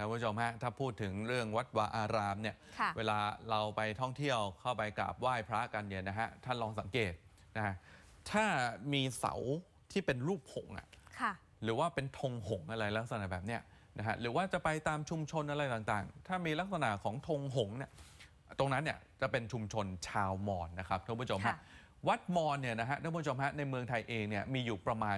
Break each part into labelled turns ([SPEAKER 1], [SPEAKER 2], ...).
[SPEAKER 1] านผู้ชมฮะถ้าพูดถึงเรื่องวัดวาอารามเนี่ยเวลาเราไปท่องเที่ยวเข้าไปกราบไหว้พระกันเนี่ยนะฮะท่านลองสังเกตนะฮะถ้ามีเสาที่เป็นรูปหงส์หรือว่าเป็นธงหงส์อะไรลักษณะแบบเนี้ยนะฮะหรือว่าจะไปตามชุมชนอะไรต่างๆถ้ามีลักษณะของธงหงส์เนี่ยตรงนั้นเนี่ยจะเป็นชุมชนชาวมอญนะครับท่านผู้ชมฮะวัดมอญเนี่ยนะฮะท่านผู้ชมฮะในเมืองไทยเองเนี่ยมีอยู่ประมาณ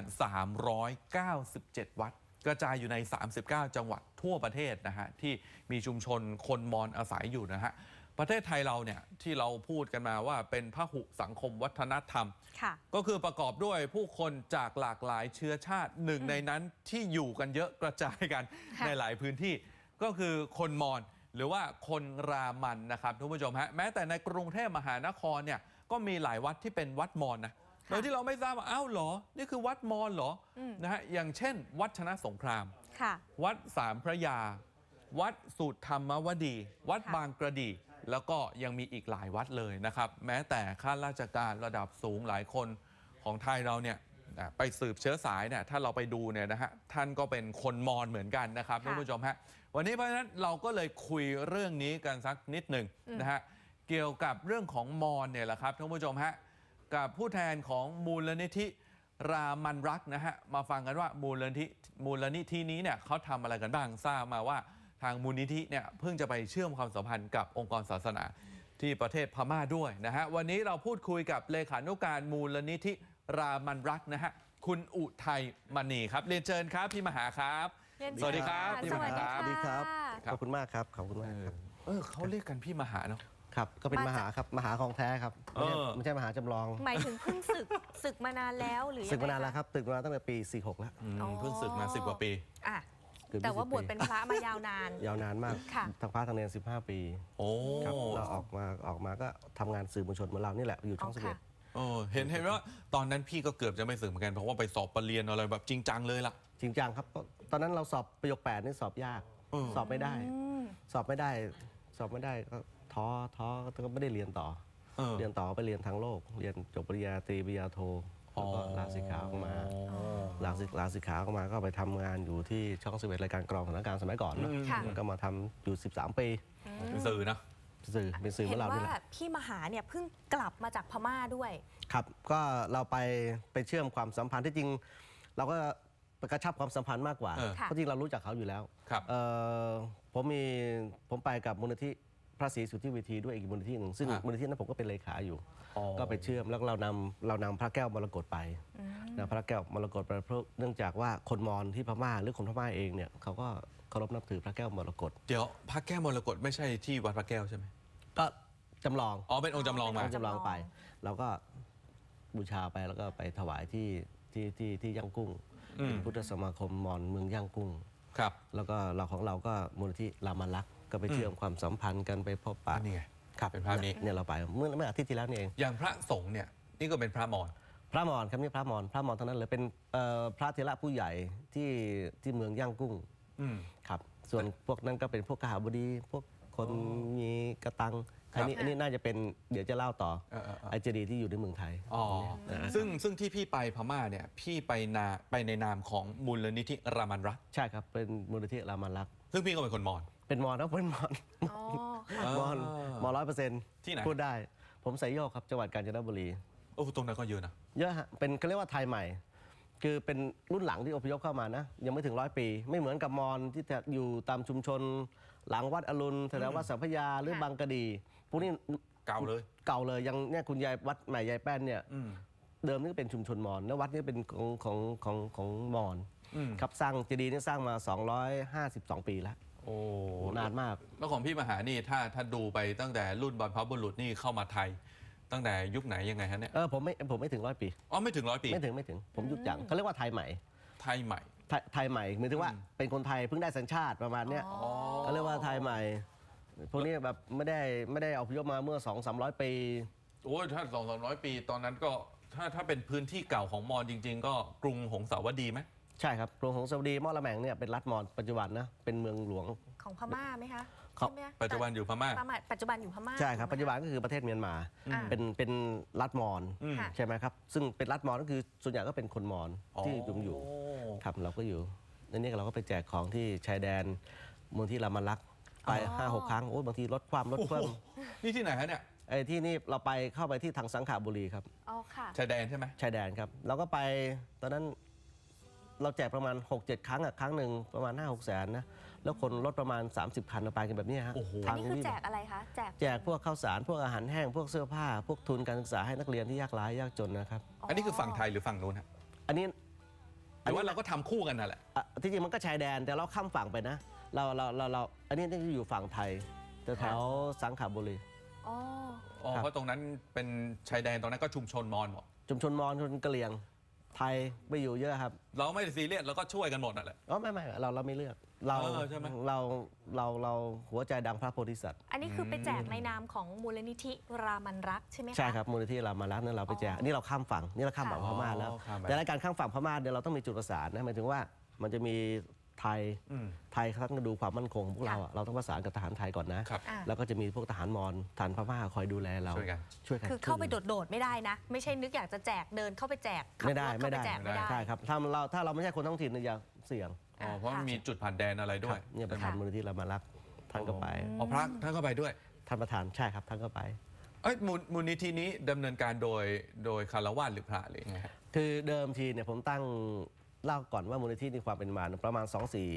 [SPEAKER 1] 397วัดกระจายอยู่ใน39จังหวัดทั่วประเทศนะฮะที่มีชุมชนคนมอญอาศัยอยู่นะฮะประเทศไทยเราเนี่ยที่เราพูดกันมาว่าเป็นพหุสังคมวัฒนธรรมก็คือประกอบด้วยผู้คนจากหลากหลายเชื้อชาติหนึ่งในนั้นที่อยู่กันเยอะกระจายกันในหลายพื้นที่ก็คือคนมอญหรือว่าคนรามันนะครับท่านผู้ชมฮะแม้แต่ในกรุงเทพมหานครเนี่ยก็มีหลายวัดที่เป็นวัดมอญนะโดยที่เราไม่ทราบว่าอ้าวเหรอนี่คือวัดมอญเหรอนะฮะอย่างเช่นวัดชนะสงครามวัดสามพระยาวัดสุธรรมวดีวัดบางกระดีแล้วก็ยังมีอีกหลายวัดเลยนะครับแม้แต่ข้าราชการระดับสูงหลายคนของไทยเราเนี่ยไปสืบเชื้อสายเนี่ยถ้าเราไปดูเนี่ยนะฮะท่านก็เป็นคนมอญเหมือนกันนะครับท่านผู้ชมฮะวันนี้เพราะฉะนั้นเราก็เลยคุยเรื่องนี้กันสักนิดหนึ่งนะฮะเกี่ยวกับเรื่องของมอญเนี่ยแหละครับท่านผู้ชมฮะกับผู้แทนของมูลนิธิรามันรักนะฮะมาฟังกันว่ามูลนิธินี้เนี่ยเขาทำอะไรกันบ้างทราบมาว่าทางมูลนิธิเนี่ยเพิ่งจะไปเชื่อมความสัมพันธ์กับองค์กรศาสนาที่ประเทศพม่าด้วยนะฮะวันนี้เราพูดคุยกับเลขานุการมูลนิธิรามันรักนะฮะคุณอุทัยมณีครับเรียนเชิญครับพี่มหาครับสวัสดีครับพี่มหาครับ
[SPEAKER 2] สวัสดีครับขอบคุณมากครับขอบคุณมากครับ
[SPEAKER 1] เขาเรียกกันพี่มหาเนาะ
[SPEAKER 2] ครับก็เป็นมหาครับมหาของแท้ครับไม่ใช่มหาจำลอง
[SPEAKER 3] หมายถึงเพิ่งศึกมานานแล้วหรือ
[SPEAKER 2] ศึกมานานแล้วครับศึกมาตั้งแต่ปี46แล้ว
[SPEAKER 1] เพิ่งศึกมา10 กว่าปี
[SPEAKER 3] แต่ว่าบวชเป็นพระมายาวนาน
[SPEAKER 2] ยาวนานมากทั้งพระทั้งเนร15 ปีครับเราออกมาก็ทำงานสื่อมวลชนเหมือนเรานี่แหละอยู่ช่อง11
[SPEAKER 1] เห็นว่าตอนนั้นพี่ก็เกือบจะไม่ศึกเหมือนกันเพราะว่าไปสอบปรริญญาอะไรแบบจริงจังเลยล่ะ
[SPEAKER 2] จริงจังครับตอนนั้นเราสอบประโยค8นี่สอบยากสอบไม่ได้ก็ท้อก็ไม่ได้เรียนต่อไปเรียนทางโลกเรียนจบปริญญาตรีปริญญาโทแล้วก็ลาสิกขาออกมาลาสิกขาออกมาก็ไปทำงานอยู่ที่ช่อง11รายการกรองสถานการณ์สมัยก่อนเนาะก็มาทำอยู่13 ปี
[SPEAKER 1] เป็นสื่อนะ
[SPEAKER 2] เป็นสื่อของเรานี่แหละ
[SPEAKER 3] เห็นว่าพี่มหาเนี่ยเพิ่งกลับมาจากพม่าด้วย
[SPEAKER 2] ครับก็เราไปเชื่อมความสัมพันธ์ที่จริงเราก็กระชับความสัมพันธ์มากกว่าเพราะจริงเรารู้จักเขาอยู่แล้วผมไปกับมูลนิธิพระศรีสุทธิเวทีด้วยอีกมูลนิธิหนึ่งซึ่งมูลนิธินั้นผมก็เป็นเลขาอยู่ก็ไปเชื่อมแล้วเรานำพระแก้วมรกตไปนะพระแก้วมรกตไปเพราะเนื่องจากว่าคนมอญที่พม่าหรือคนพม่าเองเนี่ยเขาก็เคารพนับถือพระแก้วมรกต
[SPEAKER 1] เดี๋ยวพระแก้วมรกตไม่ใช่ที่วัดพระแก้วใช่ไหม
[SPEAKER 2] ก็จำลอง
[SPEAKER 1] เป็นองค์จำลองมา
[SPEAKER 2] จำลองไปเราก็บูชาไปแล้วก็ไปถวายที่ย่างกุ้งพุทธสมาคมมอญเมืองย่างกุ้ง
[SPEAKER 1] ครับ
[SPEAKER 2] แล้วก็เราก็มูลนิธิรามันรักก็ไปเชื่อมความสัมพันธ์กันไปพบปะ
[SPEAKER 1] นี่ไงครับเป็นภาพนี้
[SPEAKER 2] เนี่ยเราไปเมื่ออาทิตย์ที่แล้วนี่เอง
[SPEAKER 1] อย่างพระสงฆ์เนี่ยนี่ก็เป็นพระมอญ
[SPEAKER 2] ครับนี่พระมอญเท่านั้นเลยเป็นพระเถระผู้ใหญ่ที่เมืองย่างกุ้งครับส่วนพวกนั้นก็เป็นพวกกหบดีพวกคนมีกระตังอันนี้น่าจะเป็นเดี๋ยวจะเล่าต่อไอเจดีที่อยู่ในเมืองไทย
[SPEAKER 1] ซึ่งที่พี่ไปพม่าเนี่ยพี่ไปในนามของมูลนิธิรามันรัก
[SPEAKER 2] ใช่ครับเป็นมูลนิธิรามันรัก
[SPEAKER 1] ซึ่งพี่ก็เป็นคนมอญ
[SPEAKER 2] เป็นมอญครับเป็นมอญ100%
[SPEAKER 1] ที่ไหน
[SPEAKER 2] พูดได้ผมไสยโยกครับจังหวัดกาญจนบุรี
[SPEAKER 1] ตรงนั้นก็เยอะนะ
[SPEAKER 2] เยอะฮะเป็นเขาเรียกว่าไทยใหม่คือเป็นรุ่นหลังที่อพยพเข้ามานะยังไม่ถึง100 ปีไม่เหมือนกับมอญที่จะอยู่ตามชุมชนหลังวัดอรุณแถววัดสัมพยาหรือบางกะดีพวกนี้
[SPEAKER 1] เก่า
[SPEAKER 2] เลยยังเนี่ยคุณยายวัดใหม่ยายแป้นเนี่ยเดิมนี่เป็นชุมชนมอญแล้ววัดนี้เป็นของมอญครับสร้างเจดีย์นี่สร้างมา252 ปีแล้วนานมาก
[SPEAKER 1] แล้วของพี่มหานี่ถ้าดูไปตั้งแต่รุ่นบรรพบุรุษนี่เข้ามาไทยตั้งแต่ยุคไหนยังไงฮะเนี่ย
[SPEAKER 2] ผมไม่ถึง100 ปี
[SPEAKER 1] ไม่ถึง100 ปี
[SPEAKER 2] ไม่ถึงผมยุคจังเขาเรียกว่าไทยใหม่
[SPEAKER 1] ไทยใหม่
[SPEAKER 2] หมายถึงว่าเป็นคนไทยเพิ่งได้สัญชาติประมาณเนี้ยเขาเรียกว่าไทยใหม่พวกนี้แบบไม่ได้อพยพมาเมื่อ200-300 ปี
[SPEAKER 1] ถ้า200-300 ปีตอนนั้นก็ถ้าเป็นพื้นที่เก่าของมอญจริงๆก็กรุงหงสาวดีไหม
[SPEAKER 2] ใช่ครับกรุงหงสาวดีมอละแมงเนี่ยเป็นรัฐมอญปัจจุบันนะเป็นเมืองหลวง
[SPEAKER 3] ของพม่าไหมคะ
[SPEAKER 1] ปัจจุบันอยู่พม่า
[SPEAKER 3] ปัจจุบันอยู่พม่า
[SPEAKER 2] ใช่ครับปัจจุบันก็คือประเทศเมียนมาเป็นรัฐมอญใช่ไหมครับซึ่งเป็นรัฐมอญก็คือส่วนใหญ่ก็เป็นคนมอญที่อยู่ครับเราก็อยู่ในนี้เราก็ไปแจกของที่ชายแดนมูลที่รามารักษ์ไป
[SPEAKER 3] อ๋อ
[SPEAKER 2] 5-6 ครั้งโอ้บางทีรถความรถ
[SPEAKER 1] โอ้
[SPEAKER 2] เพิ่
[SPEAKER 1] โห
[SPEAKER 2] ม
[SPEAKER 1] นี่ที่ไหนฮะเนี่ย
[SPEAKER 2] ไอ้ที่นี่เราไปเข้าไปที่ทางสังขบุรีครับ
[SPEAKER 3] อ๋อค่ะ
[SPEAKER 1] ชายแดนใช่ไหม
[SPEAKER 2] ชายแดนครับเราก็ไปตอนนั้นเราแจกประมาณ 6-7 ครั้งครั้งหนึ่งประมาณ 5-6 แสนนะแล้วคนรถประมาณ 30 คันเราไปกันแบบนี้ฮะ
[SPEAKER 1] โอ้โห
[SPEAKER 3] อันนี้คือแจกอะไรคะแจก
[SPEAKER 2] แจกพวกข้าวสารพวกอาหารแห้งพวกเสื้อผ้า พวกทุนการศึกษาให้นักเรียนที่ยากไร้ยากจนนะครับ
[SPEAKER 1] อันนี้คือฝั่งไทยหรือฝั่งนู้นฮะ
[SPEAKER 2] อันนี้
[SPEAKER 1] หรือว่าเราก็ทำคู่กันนั่นแหละ
[SPEAKER 2] ที่จริงมันก็ชายแดนแต่เราข้ามฝั่งไปนะเราอันนี้นี่อยู่ฝั่งไทยแต่แถวสังขบุรี
[SPEAKER 3] อ๋อ
[SPEAKER 1] อ๋อ
[SPEAKER 2] ครับ
[SPEAKER 1] เพราะตรงนั้นเป็นชายแดนตรงนั้นก็ชุมชนมอญหมด
[SPEAKER 2] ชุมชนมอญชนกะเหรี่ยงไทยไปอยู่เยอะครับ
[SPEAKER 1] เราไม่ได้ซีเรียสเราก็ช่วยกันหมดนั่นแหละ
[SPEAKER 2] อ๋อไม่เราไม่เลือกเรา
[SPEAKER 1] ใช่ไหม
[SPEAKER 2] เราหัวใจดังพระโพธิสัตว์
[SPEAKER 3] อันนี้คือไปแจกในนามของมูลนิธิรามันรักใช่ไหมคะ
[SPEAKER 2] ใช่ครับมูลนิธิรามารักษ์นั้นเราไปแจก
[SPEAKER 3] อ๋อ
[SPEAKER 2] อันนี้เราข้ามฝั่งนี่เราข้ามฝั่ง
[SPEAKER 3] ค่ะ
[SPEAKER 2] พม่าแล้ว
[SPEAKER 1] อ๋อข้ามไป
[SPEAKER 2] แต่ในการข้ามฝั่งพม่าเนี่ยเราต้องมีจุดประสานนะหมายถึงว่ามันจะมีไทย
[SPEAKER 1] อืม
[SPEAKER 2] ไทยเขาต้องดูความมั่นคงของพวกเราอะเราต้องประสานกับทหารไทยก่อนนะครับ
[SPEAKER 3] อ่า
[SPEAKER 2] แล้วก็จะมีพวกทหารมอญทหารพม่าคอยดูแลเรา
[SPEAKER 1] ช่วยกัน
[SPEAKER 2] ช่วยกัน
[SPEAKER 3] คือเข้าไปโดดๆไม่ได้นะ ไม่ใช่นึกอยากจะแจกเดินเข้าไปแจกขับ
[SPEAKER 2] ไม่ได้
[SPEAKER 3] รถเข้า
[SPEAKER 2] ไม่
[SPEAKER 3] ไป
[SPEAKER 2] ได้
[SPEAKER 3] แจกไม่ได้
[SPEAKER 2] ใช่ครับถ้าเราไม่ใช่คนท้องถิ่นเนี่ยอย่าเสี่ยง
[SPEAKER 1] อ๋อเพราะมันมีจุดผ่านแดนอะไรด้วย
[SPEAKER 2] เนี่ยประธานมูลนิธิรามารักษ์ท่านก็ไป
[SPEAKER 1] อ๋อพระท่านก็ไปด้วย
[SPEAKER 2] ท่านประธานใช่ครับท่านก็ไป
[SPEAKER 1] เอ้ยมูลนิธินี้ดำเนินการโดยคารวะหรือพระหรือยังไงฮะ
[SPEAKER 2] คือเดิมทีเนี่ยผมตั้งเล่าก่อนว่ามูลนิธิมีความเป็นมาประมาณ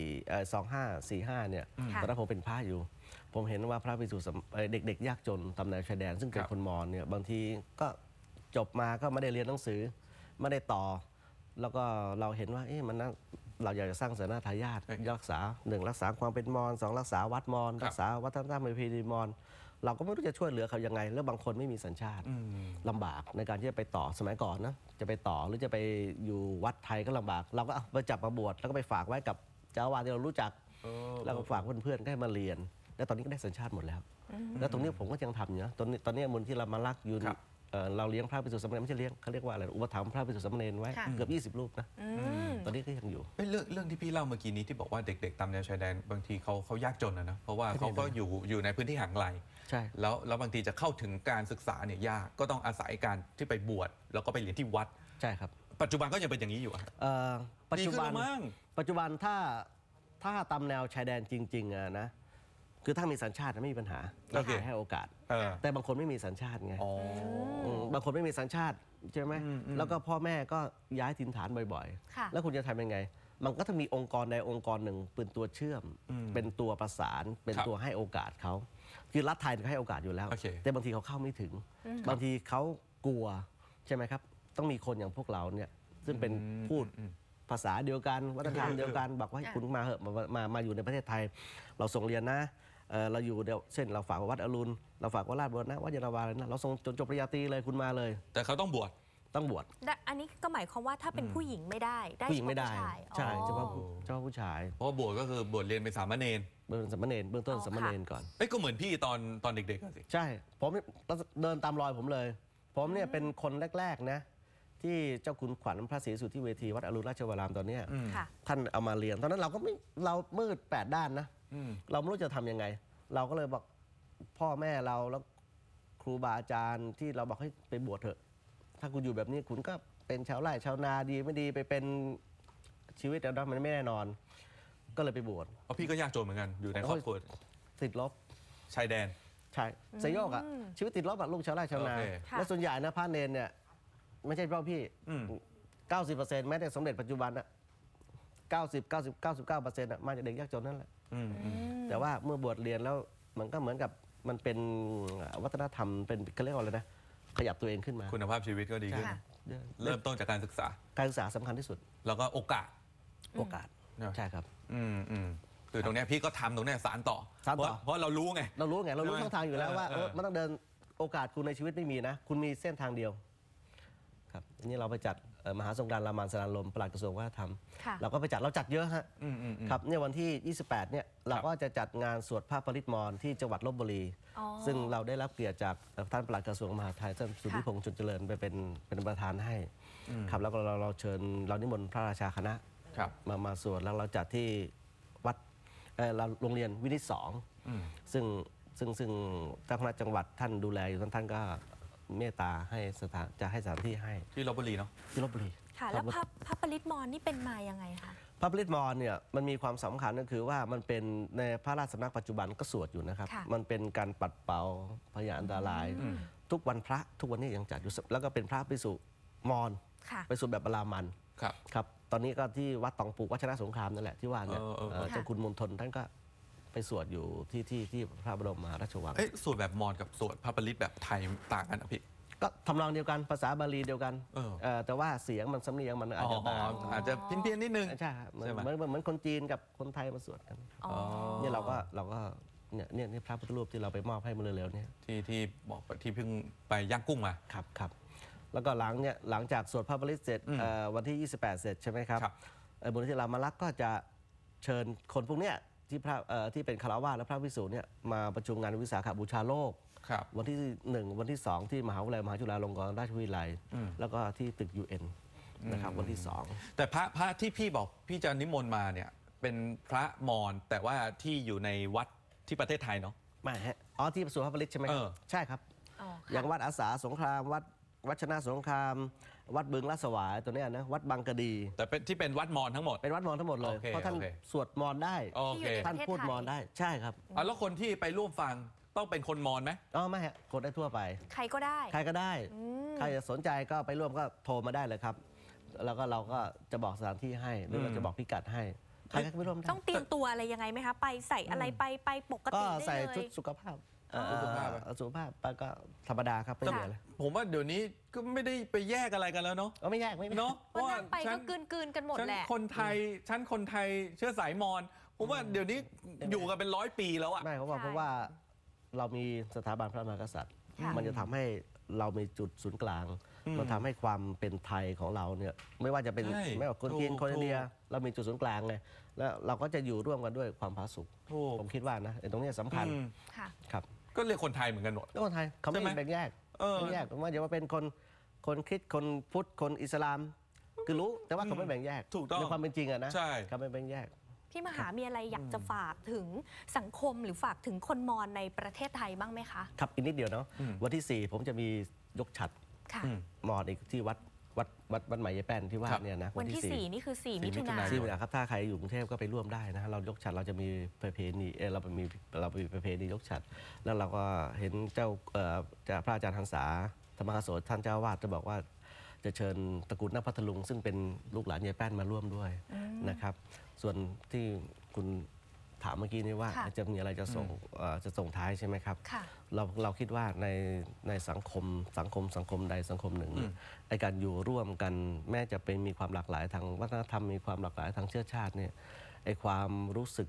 [SPEAKER 2] 2545เนี่ย
[SPEAKER 3] ค่ะ
[SPEAKER 2] ตอนนั้นผมเป็นพระอยู่ ผมเห็นว่าพระภิกษุเด็กๆยากจนตามแนวชายแดน ซึ่งเป็นคนมอญเนี่ยบางทีก็จบมาก็ไม่ได้เรียนหนังสือไม่ได้ต่อ แล้วก็เราเห็นว่ามันน่าเราอยากจะสร้างศาสนาทายาทรักษา1รักษาความเป็นมอญ2รักษาวัดมอญรักษาวัฒนธรรมประเพณีมอญเราก็ไม่รู้จะช่วยเหลือเขายังไง แล้วบางคนไม่มีสัญชาติ ลำบากในการที่จะไปต่อสมัยก่อนนะจะไปต่อหรือจะไปอยู่วัดไทยก็ลำบาก เราก็เอาไปจับมาบวชแล้วก็ไปฝากไว้กับเจ้าอาวาสที่เรารู้จัก แล้วก็ฝากเพื่อนๆก็ให้มาเรียน แล้วตอนนี้ก็ได้สัญชาติหมดแล้ว แล้วตรงนี้ผมก็ยังทำอยู่นะตอนนี้มูลที่เรามารักอยู่
[SPEAKER 1] ครับ
[SPEAKER 2] เราเลี้ยงพระภิกษุสามเณรไม่ใช่เลี้ยงเขาเรียกว่าอะไรอุปถัมภ์พระภิกษุสามเณรไว้
[SPEAKER 3] ค่ะ
[SPEAKER 2] เกือบ20 รูปนะ
[SPEAKER 3] อืม
[SPEAKER 2] ตอนนี้ก็ยังอยู่
[SPEAKER 1] เอ้ยเรื่องที่พี่เล่าเมื่อกี้นี้ที่บอกว่าเด็กๆตามแนวชายแดนบางทีเขายากจนนะเพราะว่าเขาก็อยู่ในพื้นที่ห่างไกล
[SPEAKER 2] ใช่
[SPEAKER 1] แล้วบางทีจะเข้าถึงการศึกษาเนี่ยยากก็ต้องอาศัยการที่ไปบวชแล้วก็ไปเรียนที่วัด
[SPEAKER 2] ใช่ครับ
[SPEAKER 1] ปัจจุบันก็ยังเป็นอย่างนี้อยู่อะ
[SPEAKER 2] ปัจ
[SPEAKER 1] ดี
[SPEAKER 2] จุ
[SPEAKER 1] ขึ้น
[SPEAKER 2] บัน
[SPEAKER 1] แล้วมั้ง
[SPEAKER 2] ปัจจุบันถ้าตามแนวชายแดนจริงๆนะคือถ้ามีสัญชาติไม่มีปัญหา
[SPEAKER 1] โอเค
[SPEAKER 2] ให้โอกาส
[SPEAKER 1] เออ
[SPEAKER 2] แต่บางคนไม่มีสัญชาติไง
[SPEAKER 1] อ๋อ
[SPEAKER 2] บางคนไม่มีสัญชาติใช่ไหม แล้วก็พ่อแม่ก็ย้ายถิ่นฐานบ่อย
[SPEAKER 3] ค่ะ
[SPEAKER 2] ๆ แล้วคุณจะทำยังไง มันก็ต้องมีองค์กรใดองค์กรหนึ่งเป็นตัวเชื่อม เป็นตัวประสาน เป็น
[SPEAKER 1] ครับ
[SPEAKER 2] ตัวให้โอกาสเขาคือรัฐไทยก็ให้โอกาสอยู่แล้ว
[SPEAKER 1] โอเค
[SPEAKER 2] แต่บางทีเขาเข้าไม่ถึง บางทีเขากลัวใช่ไหมครับ ต้องมีคนอย่างพวกเราเนี่ยซึ่งเป็นพูดภาษาเดียวกันวัฒนธรรมเดียวกันบอกว่าให้คุณมาเหอะมาอยู่ในประเทศไทย เราส่งเรียนนะเราอยู่เดี๋ยวเช่นเราฝากวัดอรุณเราฝากวัดราชบุรณะวัดเยาวราอะไรนะเราส่งจบปริญญาตรีเลยคุณมาเลย
[SPEAKER 1] แต่เขาต้องบวช
[SPEAKER 2] ต้องบวช
[SPEAKER 3] และอันนี้ก็หมายความว่าถ้าเป็นผู้หญิงไม่ได้
[SPEAKER 2] ผู้หญิงไม่ได้
[SPEAKER 3] เฉพาะผู้ชาย
[SPEAKER 2] ใช่
[SPEAKER 3] อ๋อ
[SPEAKER 2] เฉพาะผู้ชาย
[SPEAKER 1] เพราะว่าบวชก็คือบวชเรียนเป็นสามเณร
[SPEAKER 2] เบื้องสามเณรเบื้องต้น
[SPEAKER 3] อ๋อ
[SPEAKER 2] สามเณรก่อน
[SPEAKER 1] เอ้ยก็เหมือนพี่ตอนเด็กๆอะสิ
[SPEAKER 2] ใช่ผมเดินตามรอยผมเลย ผมเนี่ยเป็นคนแรกๆนะที่เจ้าคุณขวัญพระศรีสุทธิเวทีวัดอรุณราชวรามตอนเนี้ย
[SPEAKER 3] ค่ะ
[SPEAKER 2] ท่านเอามาเรียนตอนนั้นเราก็ไม่เรามืด8 ด้านนะเราไม่รู้จะทำยังไง เราก็เลยบอกพ่อแม่เราแล้วครูบาอาจารย์ที่เราบอกให้ไปบวชเถอะ ถ้าคุณอยู่แบบนี้คุณก็เป็นชาวไร่ชาวนาดีไม่ดีไปเป็นชีวิตแล้วมันไม่แน่นอน ก็เลยไปบวช
[SPEAKER 1] เพราะพี่ก็ยากจนเหมือนกันอยู่ในครอบครัว
[SPEAKER 2] ติดลบ
[SPEAKER 1] ชายแดน
[SPEAKER 2] ใช่สยโยกอะชีวิตติดลบอะลูกชาวไร่ชาวนา
[SPEAKER 1] โอเค
[SPEAKER 3] ค่ะ
[SPEAKER 2] และส่วนใหญ่นะพระเนนเนี่ยไม่ใช่เฉพาะพี่
[SPEAKER 1] อืม
[SPEAKER 2] 90%แม้แต่สมเด็จปัจจุบันอะ99%อะมาจากเด็กยากจนนั่นแหละ แต่ว่าเมื่อบวชเรียนแล้วมันก็เหมือนกับมันเป็นวัฒนธรรมเป็นเขาเรียกว่าอะไรนะขยับตัวเองขึ้นมา
[SPEAKER 1] คุณภาพชีวิตก็ดีขึ้น
[SPEAKER 3] ค่ะ
[SPEAKER 1] เริ่มต้นจากการศึกษา
[SPEAKER 2] การศึกษาสำคัญที่สุด
[SPEAKER 1] แล้วก็โอกาส
[SPEAKER 2] โอกาส
[SPEAKER 1] เนอะ
[SPEAKER 2] ใช่ครับ
[SPEAKER 1] คือตรงเนี้ยพี่ก็ทำตรงเนี้ยสารต่อ
[SPEAKER 2] สานต่อ
[SPEAKER 1] เพราะเรารู้ไง
[SPEAKER 2] เรารู้ไงเรารู้
[SPEAKER 1] ใช่ไหม
[SPEAKER 2] ช่องทางอยู่แล้วว่า
[SPEAKER 1] เออ
[SPEAKER 2] มันต้องเดินโอกาสคุณในชีวิตไม่มีนะ คุณมีเส้นทางเดียวครับอันนี้เราไปจัดมหาสงกรานต์รามานสนานลมปลัดกระทรวงวัฒนธรรม
[SPEAKER 3] ค่ะ
[SPEAKER 2] เราก็ไปจัดเราจัดเยอะฮะ ครับเนี่ยวันที่ 28 เนี่ยเราก็จะจัดงานสวดพระปริตรมรที่จังหวัดลบบุรี
[SPEAKER 3] อ๋อ
[SPEAKER 2] ซึ่งเราได้รับเกียรติจากท่านปลัดกระทรวงมหาดไทยท่านสุทธิพงษ์จุนเจริญไปเป็นประธานให้ครับแล้วก็เราเชิญเรานิมนต์พระราชาคณะ
[SPEAKER 1] ครับ
[SPEAKER 2] มาสวดแล้วเราจัดที่วัดเราโรงเรียนวินิตสองซึ่งเจ้าคณะจังหวัดท่านดูแลอยู่ท่านก็เมตตาให้จะให้สถานที่ให้
[SPEAKER 1] ที่ลบบุรีเนาะ
[SPEAKER 2] ที่ลบบุรี
[SPEAKER 3] ค่ะ แล้วพระปริตรมรนี่เป็นมายังไงคะ
[SPEAKER 2] พระปริตรมรเนี่ยมันมีความสำคัญก็คือว่ามันเป็นในพระราชสำนักปัจจุบันก็สวดอยู่นะครับ
[SPEAKER 3] ค่ะ
[SPEAKER 2] มันเป็นการปัดเป่าพยาอันตราย ทุกวันพระทุกวันนี้ยังจัดอยู่แล้วก็เป็นพระภิกษุมอญ
[SPEAKER 3] ค่ะ
[SPEAKER 2] ไปสวดแบบบารามัน
[SPEAKER 1] ครับ
[SPEAKER 2] ครับตอนนี้ก็ที่วัดตองปูวัชรสงครามนั่นแหละที่ว่าเนี่ย
[SPEAKER 3] ค่ะ
[SPEAKER 2] เจ้าคุณมณฑลท่านก็ไปสวดอยู่ที่พระบรมมหาราชวัง
[SPEAKER 1] เอ๊ะสวดแบบมอญกับสวดพระปริตรแบบไทยต่างกันอ่ะพี่
[SPEAKER 2] ก็ทำนองเดียวกันภาษาบาลีเดียวกัน แต่ว่าเสียงมันสำเนียงมันอาจจะต่าง
[SPEAKER 1] อาจจะเพี้ยนๆนิดนึง
[SPEAKER 2] ใช่ครับเหมือน
[SPEAKER 1] ใช่ไหม
[SPEAKER 2] เหมือนคนจีนกับคนไทยมาสวดกัน
[SPEAKER 3] อ๋อ
[SPEAKER 2] เนี่ยเราก็เนี่ยนี่พระพุทธรูปที่เราไปมอบให้เมื่อเร็วๆเนี่ย
[SPEAKER 1] ที่บอกที่เพิ่งไปย่างกุ้งมา
[SPEAKER 2] ครับแล้วก็หลังจากสวดพระปริตรเสร็จวันที่ 28 เสร็จใช่ไหมครับ
[SPEAKER 1] ครับ
[SPEAKER 2] มูลนิธิรามารักษ์ก็จะเชิญคนพวกเนี้ยที่เป็นคฤหัสถ์และพระภิกษุเนี่ยมาประชุมงานวิสาขบูชาโลก
[SPEAKER 1] ครับ
[SPEAKER 2] วันที่ 1 วันที่ 2 ที่มหาวิทยาลัยมหาจุฬาลงกรณราชวิทยาลัย แล้วก็ที่ตึก UN นะครับวันที่ 2
[SPEAKER 1] แต่พระที่พี่บอกพี่จะนิมนต์มาเนี่ยเป็นพระมอญแต่ว่าที่อยู่ในวัดที่ประเทศไทยเนาะ
[SPEAKER 2] ไม่ฮะอ๋อที่สวดพระปริตรใช่ไหมครับใช่ครับ
[SPEAKER 3] อ๋อ
[SPEAKER 2] อ
[SPEAKER 3] ค่ะ
[SPEAKER 2] ย่างวัดอาสาสงครามวัดชนะสงคราม วัดบึงลาดสวายตัวเนี้ยนะวัดบางกะดี
[SPEAKER 1] แต่เป็นที่เป็นวัดมอญทั้งหมด
[SPEAKER 2] เป็นวัดมอญทั้งหมดเลย
[SPEAKER 1] โอเค
[SPEAKER 2] เพราะท่าน
[SPEAKER 1] โอเค
[SPEAKER 2] สวดมอญได้
[SPEAKER 1] โอเค
[SPEAKER 2] ท่านพูดมอญได้ใช่ครับ
[SPEAKER 1] แล้วคนที่ไปร่วมฟังต้องเป็นคนมอญไหม
[SPEAKER 2] อ๋อไม่ฮะกดได้ทั่วไป
[SPEAKER 3] ใครก็ได้
[SPEAKER 2] ใครก็ได้ ใครจะสนใจก็ไปร่วมก็โทรมาได้เลยครับ แล้วก็เราก็จะบอกสถานที่ให้หรือเราจะบอกพิกัดให้ใครก็ไปร่วมได้
[SPEAKER 3] ต้องเตรียมตัวอะไรยังไงไหมคะ ไปใส่อะไรไปปก
[SPEAKER 2] ก็
[SPEAKER 3] ติได้
[SPEAKER 2] ใส่
[SPEAKER 3] เลย
[SPEAKER 2] ชุดสุขภาพ
[SPEAKER 1] สุขภาพ
[SPEAKER 2] สุขภาพไปก็ธรรมดาครับไม่มีอะไร
[SPEAKER 1] ผมว่าเดี๋ยวนี้ก็ไม่ได้ไปแยกอะไรกันแล้วเนาะ
[SPEAKER 2] ไม่แยกไม่แยก
[SPEAKER 1] เนาะ
[SPEAKER 3] วันนั้นไปก็กลืนกันหมด
[SPEAKER 1] ฉัน
[SPEAKER 3] แหละ
[SPEAKER 1] คนไทยเชื้อสายมอญผมว่าเดี๋ยวนี้อยู่กันเป็น100 ปีแล้วอะ
[SPEAKER 2] ไม่เพราะว่า
[SPEAKER 3] ใช่
[SPEAKER 2] เพราะว่าเรามีสถาบันพระมหากษัตริย์
[SPEAKER 3] ค่ะ
[SPEAKER 2] มันจะทำให้เรามีจุดศูนย์กลาง มันทำให้ความเป็นไทยของเราเนี่ยไม่ว่าจะเป็น
[SPEAKER 1] ใช่
[SPEAKER 2] ไม่ว่าคนจีน
[SPEAKER 1] ถูก
[SPEAKER 2] คนอินเดีย
[SPEAKER 1] ถูก
[SPEAKER 2] เรามีจุดศูนย์กลางเลยแล้วเราก็จะอยู่ร่วมกันด้วยความผาสุก
[SPEAKER 1] ถูก
[SPEAKER 2] ผมคิดว่านะไอ้ตรงเนี้ยสำคัญ
[SPEAKER 1] อืม
[SPEAKER 3] ค่ะ
[SPEAKER 2] ครับ
[SPEAKER 1] ก็เรียกคนไทยเหมือนกันหมด
[SPEAKER 2] แล้วคนไทยเขาไม่
[SPEAKER 1] ใช่ไหม
[SPEAKER 2] แบ่งแยก
[SPEAKER 1] เออ
[SPEAKER 2] ไม่แยกผมว่าอย่าว่าเป็นคนคริสต์คนพุทธคนอิสลาม คือรู้แต่ว่าเขาไม่แบ่งแยก
[SPEAKER 1] ถูกต้อง
[SPEAKER 2] ในความเป็นจริงอะนะ
[SPEAKER 1] ใช่
[SPEAKER 2] เขาไม่แบ่งแยก
[SPEAKER 3] พี่มหามีอะไรอยากจะฝากถึงสังคมหรือฝากถึงคนมอญในประเทศไทยบ้างไหมคะ
[SPEAKER 2] ครับอีกนิดเดียวเนาะวันที่ 4 ผมจะมียกฉัตร
[SPEAKER 3] ค่ะ
[SPEAKER 2] มอญอีกที่วัดใหม่ยายแป้นที่ว่า
[SPEAKER 1] ครับ
[SPEAKER 2] เนี่ยนะ
[SPEAKER 3] วันที่ 4 นี่คือ 4 มิถุนา
[SPEAKER 2] 4 ครับถ้าใครอยู่กรุงเทพก็ไปร่วมได้นะเรายกฉัตรเราจะมีประเพณีเรามีประเพณียกฉัตรแล้วเราก็เห็นเจ้าพระอาจารย์หันษาธรรมกโสท่านเจ้าวาดจะบอกว่าจะเชิญตระกูลนักพัทลุงซึ่งเป็นลูกหลานยายแป้นมาร่วมด้วยนะครับ ส่วนที่คุณถามเมื่อกี้นี้ว่า
[SPEAKER 3] ค่ะ
[SPEAKER 2] จะมีอะไรจะส่งท้ายใช่ไหมครับ
[SPEAKER 3] ค่ะ
[SPEAKER 2] เราคิดว่าในสังคมใดสังคมหนึ่งเนี่ยไอการอยู่ร่วมกันแม้จะเป็นมีความหลากหลายทางวัฒนธรรมมีความหลากหลายทางเชื้อชาติเนี่ยไอความรู้สึก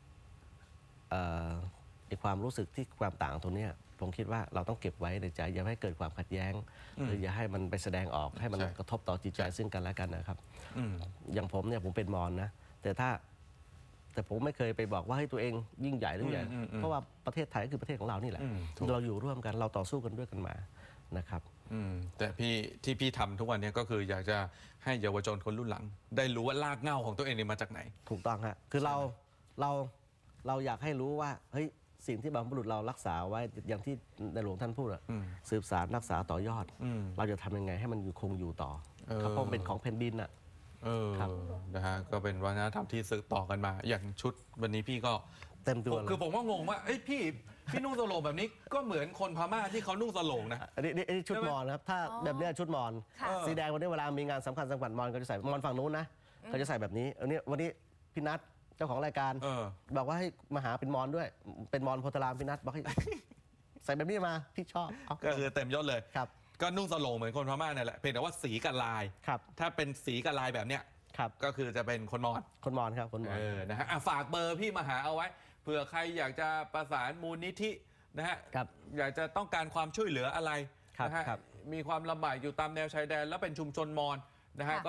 [SPEAKER 2] ที่ความต่างตรงเนี้ยผมคิดว่าเราต้องเก็บไว้ในใจอย่าให้เกิดความขัดแย้งหรืออย่าให้มันไปแสดงออกให้มัน
[SPEAKER 1] ใช่
[SPEAKER 2] กระทบต่อจิตใจซึ่งกันและกันนะครับ
[SPEAKER 1] อืม
[SPEAKER 2] อย่างผมเนี่ยผมเป็นมอญนะแต่ผมไม่เคยไปบอกว่าให้ตัวเองยิ่งใหญ่หรือใหญ่เพราะว่าประเทศไทยก็คือประเทศของเรานี่แหละ
[SPEAKER 1] ถูก
[SPEAKER 2] เราอยู่ร่วมกันเราต่อสู้กันด้วยกันมานะครับ
[SPEAKER 1] แต่พี่ทำทุกวันนี้ก็คืออยากจะให้เยาวชนคนรุ่นหลัง ได้รู้ว่ารากเหง้าของตัวเองเนี่ยมาจากไหน
[SPEAKER 2] ถูกต้องฮะคือเราอยากให้รู้ว่าเฮ้ยสิ่งที่บรรพบุรุษเรารักษาไว้อย่างที่ในหลวงท่านพูดอะสืบสารรักษาต่อยอด เราจะทำยังไงให้มันคงอยู่ต่อครับเพราะมันเป็นของแผ่นดินอะ ครับ
[SPEAKER 1] นะฮะก็เป็นวัฒนธรรมที่สืบต่อกันมา อย่างชุดวันนี้พี่ก็
[SPEAKER 2] เต็มตัวเลย
[SPEAKER 1] คือผมก็งงว่าเอ้ยพี่นุ่งสโลงแบบนี้ก็เหมือนคนพม่าที่เขานุ่งสโลงนะ
[SPEAKER 2] อันนี้ชุด
[SPEAKER 1] ใช่ไหม
[SPEAKER 2] มอญนะครับถ้าแบบเนี้ยชุดมอญ
[SPEAKER 3] ค่ะ
[SPEAKER 2] สีแดงวันนี้เวลามีงานสำคัญมอญก็จะใส่มอญฝั่งนู้นนะเขาจะใส่แบบนี้วันนี้พี่นัทเจ้าของรายการ บอกว่าให้มาหาเป็นมอญด้วย เป็นมอญโพธารามพี่นัทบอกให้ ใส่แบบนี้มาพี่ชอบเอา
[SPEAKER 1] ก็คือเต็มยศเลย
[SPEAKER 2] ครับ
[SPEAKER 1] ก็นุ่งสโลงเหมือนคนพม่านั่นแหละเพียงแต่ว่าสีกับลาย
[SPEAKER 2] ครับ
[SPEAKER 1] ถ้าเป็นสีกับลายแบบเนี้ย
[SPEAKER 2] ครับ
[SPEAKER 1] ก็คือจะเป็นคนมอญ
[SPEAKER 2] คนมอญครับคนมอญ
[SPEAKER 1] นะฮะฝากเบอร์พี่มาหาเอาไว้เผื่อใครอยากจะประสานมูลนิธินะฮะ
[SPEAKER 2] ครับ
[SPEAKER 1] อยากจะต้องการความช่วยเหลืออะไร
[SPEAKER 2] ครับ
[SPEAKER 1] นะฮะ
[SPEAKER 2] ครับ
[SPEAKER 1] มีความลำบากอยู่ตามแนวชายแดน แล้วเป็นชุมชนมอญนะฮะ
[SPEAKER 3] ค่ะ
[SPEAKER 1] ก็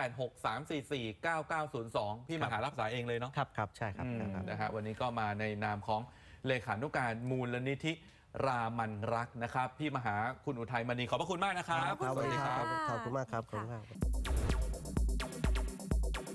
[SPEAKER 1] 0863449902 พี่มาหารับสายเองเลยเนาะ
[SPEAKER 2] ครับใช่ครับครับ
[SPEAKER 1] นะฮะวันนี้ก็มาในนามของเลขานุการมูลนิธิรามันรักนะครับ พี่มหาคุณอุทัยมณีขอบพระคุณมากนะครับ
[SPEAKER 2] ครับสวัสดีครับ
[SPEAKER 3] ค่ะ
[SPEAKER 2] ขอบคุณมากครับขอบคุณมาก